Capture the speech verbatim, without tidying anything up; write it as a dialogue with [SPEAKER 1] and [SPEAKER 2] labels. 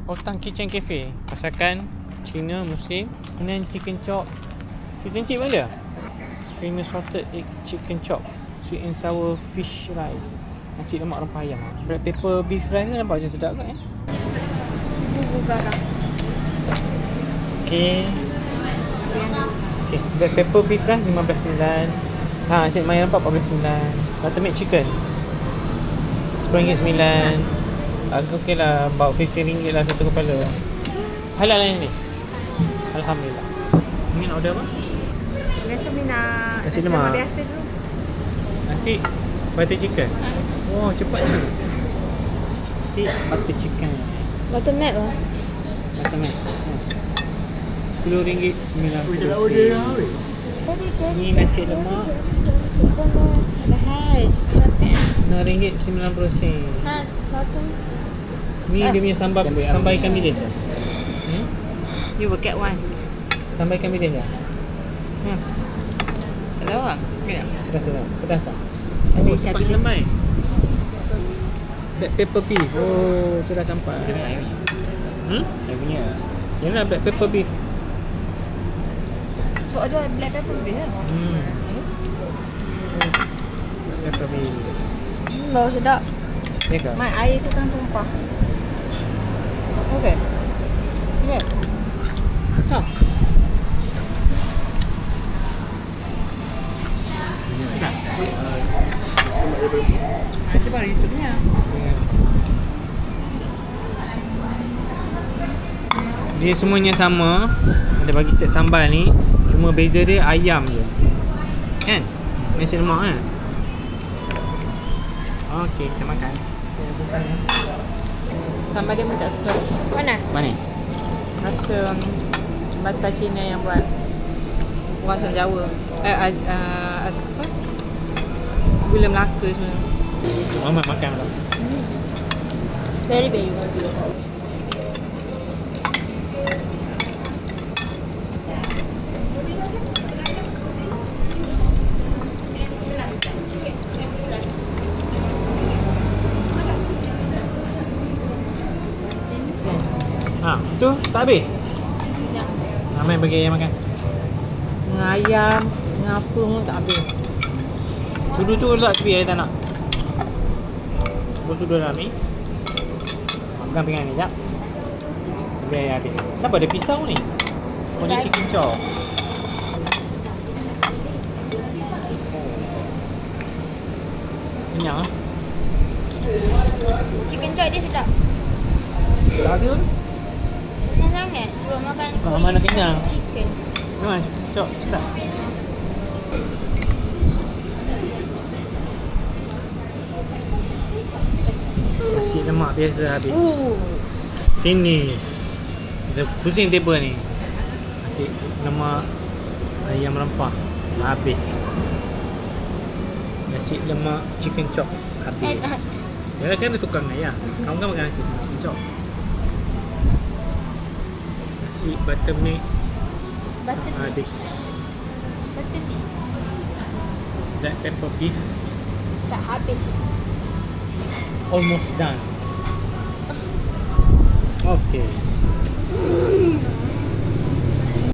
[SPEAKER 1] Otang Kitchen Cafe. Masakan Cina Muslim. Kemudian chicken chop. Fish and chip ada? Creamy salted egg chicken chop. Sweet and sour fish rice. Nasi lemak rempah ayam. Black pepper beef rice ni nampak macam sedap kan eh?
[SPEAKER 2] Bubur garam.
[SPEAKER 1] Okay. Okay. Black pepper beef rice lima belas sembilan. Ha, nasi lemak ayam rempah empat belas sembilan. Buttermilk chicken sepuluh ringgit sembilan. Harga okey lah, about lima puluh ringgit lah satu kepala. Halal lah ni. Alhamdulillah. Ni nak order apa?
[SPEAKER 2] Biasa minat
[SPEAKER 1] Nasi lemak.
[SPEAKER 2] biasa dulu.
[SPEAKER 1] Nasi butter chicken. Oh, cepat ni. Nasi butter chicken.
[SPEAKER 2] Buttermilk lah.
[SPEAKER 1] Buttermilk. Hmm. sepuluh ringgit sembilan puluh.
[SPEAKER 2] Tadi tadi.
[SPEAKER 1] Ni nasi lemak
[SPEAKER 2] Ada hash.
[SPEAKER 1] enam ringgit sembilan puluh sen.
[SPEAKER 2] Ha, satu.
[SPEAKER 1] Ni dia punya sambal sambal ikan bilis ah. Hmm?
[SPEAKER 2] You will get one.
[SPEAKER 1] Sambal ikan bilis ah. Hmm.
[SPEAKER 2] Tak tahu lah. Minat.
[SPEAKER 1] Pedas tak? Pedas tak?
[SPEAKER 2] Ada
[SPEAKER 1] Oh,
[SPEAKER 2] ikan
[SPEAKER 1] sempat
[SPEAKER 2] bilis.
[SPEAKER 1] lemai. Black pepper beef. Oh, sudah sampai. Hmm?
[SPEAKER 3] Saya punya.
[SPEAKER 1] Yalah, black pepper beef.
[SPEAKER 2] So ada black pepper beef kan?
[SPEAKER 1] Hmm. Black pepper beef.
[SPEAKER 2] Hmm, bau sedap.
[SPEAKER 1] Ya ke?
[SPEAKER 2] Mat, air tu kan tumpah. Okey. Ya. So.
[SPEAKER 1] Sedap.
[SPEAKER 2] Nanti baru Yusufnya.
[SPEAKER 1] Dia semuanya sama. Ada bagi set sambal ni. Cuma beza dia ayam je. Kan? Nasi lemak kan? Okey, kita makan.
[SPEAKER 2] Sambal dia pun tak suka. Mana?
[SPEAKER 3] Manis.
[SPEAKER 2] Rasa Basta Cina yang buat orang asal Jawa. Eh, az, uh, az, apa? Gula Melaka semua.
[SPEAKER 1] Muhammad makan lah.
[SPEAKER 2] Very very.
[SPEAKER 1] Ha, tu tak habis.
[SPEAKER 2] Ya.
[SPEAKER 1] Ramai bagi ayam makan.
[SPEAKER 2] Dengan ayam, dengan apa pun tak habis.
[SPEAKER 1] Sudu tu letak tepi, saya tak nak. Bos sudu dalam ni. Makan pinggan ni, sekejap. Biar ayam habis. Kenapa ada pisau ni? Oh, ni chicken chop. Kenyang lah.
[SPEAKER 2] Chicken chop dia sedap.
[SPEAKER 1] Tak ada tu.
[SPEAKER 2] Senang sangat. Cuba makan
[SPEAKER 1] Ah, mana kenyang?
[SPEAKER 2] chicken.
[SPEAKER 1] Memang chicken chop sedap. Nasi lemak biasa habis.
[SPEAKER 2] Uh.
[SPEAKER 1] Finish. Kita pusing table ni. Nasi lemak ayam rempah habis. Nasi lemak chicken chop habis. Yalah kan ada tukang ayam. Kamu kan makan nasi chicken chop. Nasi buttermilk
[SPEAKER 2] Buttermilk.
[SPEAKER 1] habis.
[SPEAKER 2] Buttermilk.
[SPEAKER 1] Black pepper beef
[SPEAKER 2] Tak habis.
[SPEAKER 1] almost done. Okay.